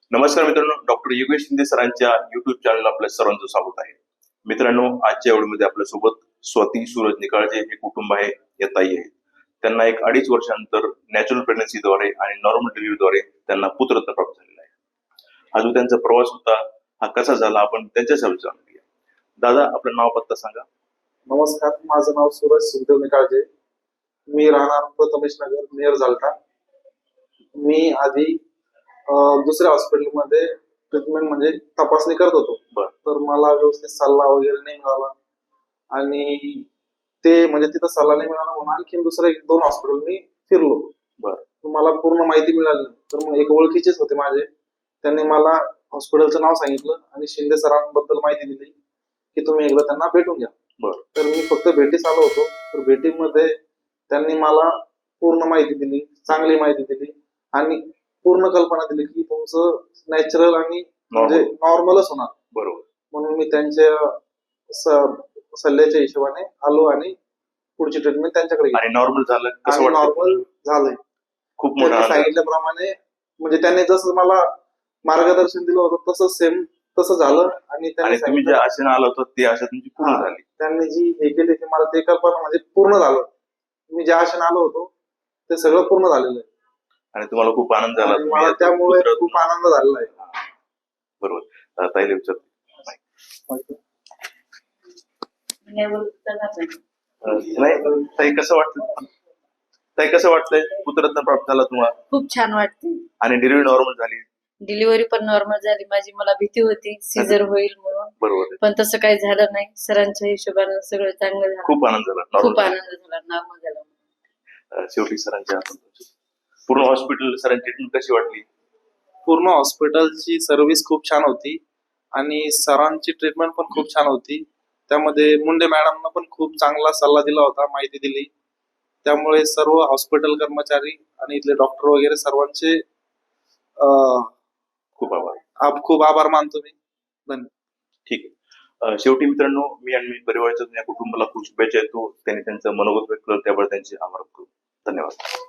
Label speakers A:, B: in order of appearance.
A: नमस्कार मित्रांनो, डॉक्टर योगेश शिंदे सरांच्या युट्यूब चॅनलला आपल्या सर्वांचं स्वागत आहे. मित्रांनो, आजच्या व्हिडिओमध्ये आपल्यासोबत स्वाती सूरज निकाळजे हे कुटुंब आहे, या ताई आहेत. त्यांना एक 2.5 वर्षानंतर नॅचरल प्रेग्नन्सीद्वारे आणि नॉर्मल डिलिव्हरीद्वारे त्यांना पुत्ररत्न प्राप्त झालेला आहे. अजून त्यांचा प्रवास होता हा कसा झाला आपण त्यांच्याच जाणून घेऊया. दादा, आपलं नाव पत्ता सांगा.
B: नमस्कार, माझं नाव सूरज सुखदेव निकाळजे. मी राहणार प्रथमेश नगर, नियर झालटा. मी आधी दुसऱ्या हॉस्पिटलमध्ये ट्रीटमेंट म्हणजे तपासणी करत होतो. तर मला व्यवस्थित सल्ला वगैरे नाही मिळाला आणि ते म्हणजे तिथं सल्ला नाही मिळाला म्हणून आणखी दुसरे 2 हॉस्पिटल मी फिरलो. मला पूर्ण माहिती मिळाली. तर मग एक ओळखीचेच होते माझे, त्यांनी मला हॉस्पिटलचं नाव सांगितलं आणि शिंदे सरांबद्दल माहिती दिली की तुम्ही एकदा त्यांना भेटून घ्या. तर मी फक्त भेटीस आलो होतो. तर भेटीमध्ये त्यांनी मला पूर्ण माहिती दिली, चांगली माहिती दिली आणि पूर्ण कल्पना दिली की तुमचं नॅचरल आणि म्हणजे नॉर्मलच होणार.
A: बरोबर.
B: म्हणून मी त्यांच्या सल्ल्याच्या हिशोबाने आलो आणि पुढची ट्रीटमेंट त्यांच्याकडे
A: आणि नॉर्मल झालं. कसं वाटतं?
B: नॉर्मल झालंय.
A: खूप
B: त्यांनी सांगितल्याप्रमाणे म्हणजे त्यांनी जसं मला मार्गदर्शन दिलं होतं तसं सेम तसं झालं. आणि
A: तुम्ही जे आशेने आला होता ते आशा तुमची पूर्ण झाली.
B: त्यांनी जी हे केली ते मला ते कल्पना म्हणजे पूर्ण झालं. मी ज्या आशेने आलो होतो ते सगळं पूर्ण झालेलं आहे
A: आणि तुम्हाला खूप आनंद झाला.
B: मला त्यामुळे खूप आनंद झालेला आहे.
A: बरोबर. ताईला विचारतो. नाही ताई, कसं वाटतं? ताई, कसं वाटतंय? पुत्ररत्न प्राप्त झाला तुम्हाला?
C: खूप छान वाटते.
A: आणि डिलिव्हरी नॉर्मल झाली?
C: डिलिव्हरी पण नॉर्मल झाली माझी. मला भीती होती सीझर होईल म्हणून.
A: बरोबर.
C: पण तसं काही झालं नाही. सरांच्या हिशोबाने सगळं चांगलं झालं.
A: खूप आनंद झाला.
C: खूप आनंद झाला. नॉर्मल झाला.
A: शेवटी सरांच्या पूर्ण हॉस्पिटल सरांची ट्रीटमेंट कशी वाटली?
B: पूर्ण हॉस्पिटलची सर्व्हिस खूप छान होती आणि सरांची ट्रीटमेंट पण खूप छान होती. त्यामध्ये मुंडे मॅडमनं पण खूप चांगला सल्ला दिला होता, माहिती दिली. त्यामुळे सर्व हॉस्पिटल कर्मचारी आणि इथले डॉक्टर वगैरे सर्वांचे खूप आभार मानतो मी. धन्यवाद.
A: ठीक आहे. शेवटी मित्रांनो, मी आणि मी परिवाराच्या या कुटुंबाला खूप शुभेच्छा देतो. त्यांनी त्यांचं मनोगत व्यक्त केलं त्याबद्दल त्यांचे आभार करतो. धन्यवाद.